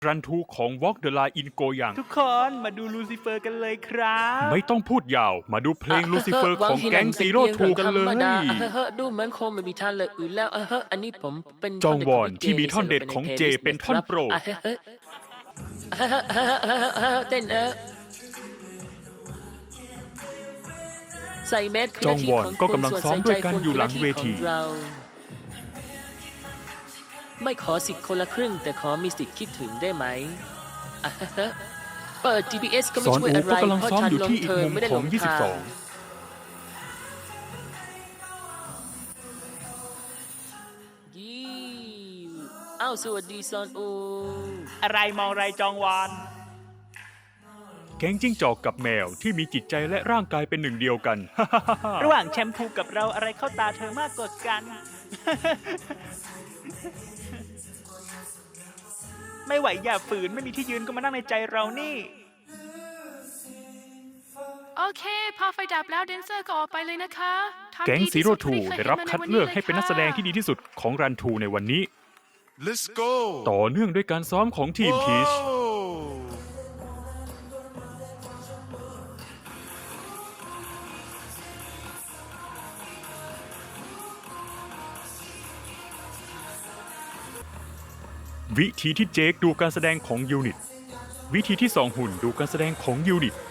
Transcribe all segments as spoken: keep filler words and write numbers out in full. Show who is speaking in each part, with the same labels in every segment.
Speaker 1: รันทูของ Walk the Line in Goyang
Speaker 2: ทุกคนมาดูลูซิเฟอร์กันเลยครับ
Speaker 1: ไม่ต้องพูดยาวมาดูเพลงลูซิเฟอร์ของแก๊งซีโร่ทูกันเลย
Speaker 3: ดูเหมือนคงไม่มีท่านเลยอื่นแล้วเอออันนี้ผมเป็น
Speaker 1: จองวอนที่มีท่อนเด็ดของเจเป็นท่อนโปรด
Speaker 3: เต้นเออใส่แมส
Speaker 1: จองวอนก็กำลังซ้อมด้วยกันอยู่หลังเวที
Speaker 3: ไม่ขอสิทธิ์คนละครึ่งแต่ขอมีสิทธิ์คิดถึงได้ไหมเปิด จี พี เอส ก็ไม่ช่วยอะไรเพราะฉันลงเธอไม่ได้ลงทางอ้าวสวัสดีซอนอู
Speaker 2: อะไรมองไรจองวอน
Speaker 1: แก๊งจิ้งจอกกับแมวที่มีจิตใจและร่างกายเป็นหนึ่งเดียวกัน
Speaker 2: ระหว่างแชมพูกับเราอะไรเข้าตาเธอมากกว่ากัน ไม่ไหวอย่าฝืนไม่มีที่ยืนก็มานั่งในใจเรานี่
Speaker 4: โอเคพอไฟดับแล้วแดนเซอร์ก็ออกไปเลยนะคะ
Speaker 1: แก๊งซีโร่ทูได้รับคัดเลือกให้เป็นนักแสดงที่ดีที่สุดของรันทูในวันนี้
Speaker 5: Let's go
Speaker 1: ต่อเนื่องด้วยการซ้อมของทีมพีชวิธีที่เจคดูการแสดงของยูนิตวิธีที่สองหุ่นดูการแสดงของยูนิต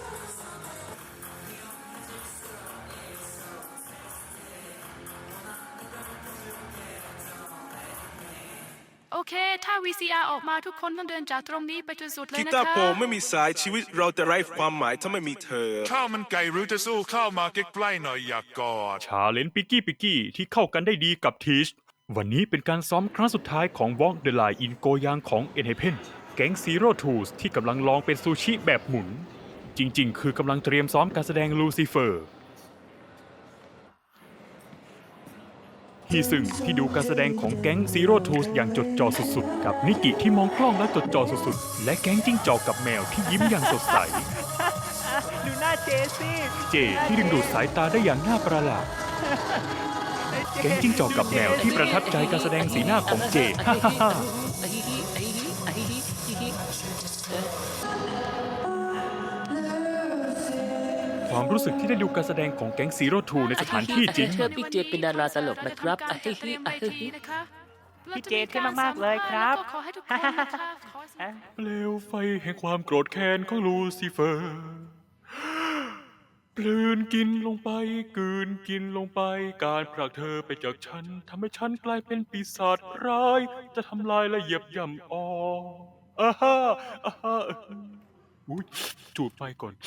Speaker 4: โอเคถ้า วี ซี อาร์ ออกมาทุกคนต้องเดินจากตรงนี้ไปจนสุดเลย
Speaker 5: กี
Speaker 4: นะคะ
Speaker 5: ตาร์โปรไม่มีสายชีวิตเราจะไร้ความหมายถ้าไม่มีเธอ
Speaker 6: ข้าวมันไก่หรือจะสู้ข้าวมาใกล้ๆหน่อยอยากกอด
Speaker 1: ชาเลนจ์ปิกกี้ปิกกี้ที่เข้ากันได้ดีกับทีชวันนี้เป็นการซ้อมครั้งสุดท้ายของ Walk the Line in Goyang ของ Enhypen แก๊ง Zero Two ที่กำลังลองเป็นซูชิแบบหมุนจริงๆคือกำลังเตรียมซ้อมการแสดงลูซิเฟอร์ฮีซึงที่ดูการแสดงของแก๊ง Zero Two อย่างจดจ่อสุดๆกับนิกิที่มองกล้องและจดจ่อสุดๆและแก๊งจิ้งจอกกับแมวที่ยิ้มอย่างสดใส
Speaker 2: ดูหน้าเจสิ
Speaker 1: เจที่ดึงดูดสายตาได้อย่างน่าประหลาดแก๊งจิ้งจอกกับแมวที่ประทับใจการแสดงสีหน้าของเจ ความรู้สึกที่ได้ดูการแสดงของแก๊งซีโร่ทูในสถานที่จริง
Speaker 3: เชื่อพี่เจเป็นดาราตลกนะครับ
Speaker 2: พี่เจเท่มากๆเลยครับ
Speaker 1: เปลวไฟแห่งความโกรธแค้นของลูซิเฟอร์กลืนกินลงไปกลืนกินลงไปการผลักเธอไปจากฉันทำให้ฉันกลายเป็นปีศาจร้ายจะทำลายและเหยียบย่ำออกอาฮ่าอาฮ่าอุ้ยจูบไปก่อน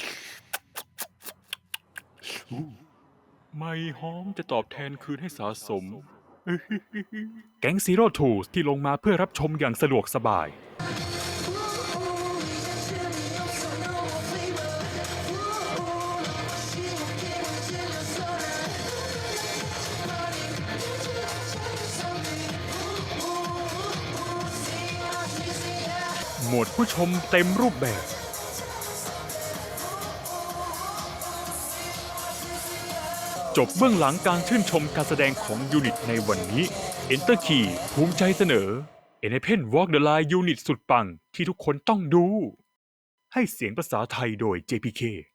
Speaker 1: ไม่หอมจะตอบแทนคืนให้สะสมแก๊งซีโร่ทูที่ลงมาเพื่อรับชมอย่างสะดวกสบายโหมดผู้ชมเต็มรูปแบบจบเบื้องหลังการชื่นชมการแสดงของยูนิตในวันนี้ Enter Key ภูมิใจเสนอ Enhypen Walk the Line ยูนิตสุดปังที่ทุกคนต้องดูให้เสียงภาษาไทยโดย เจ พี เค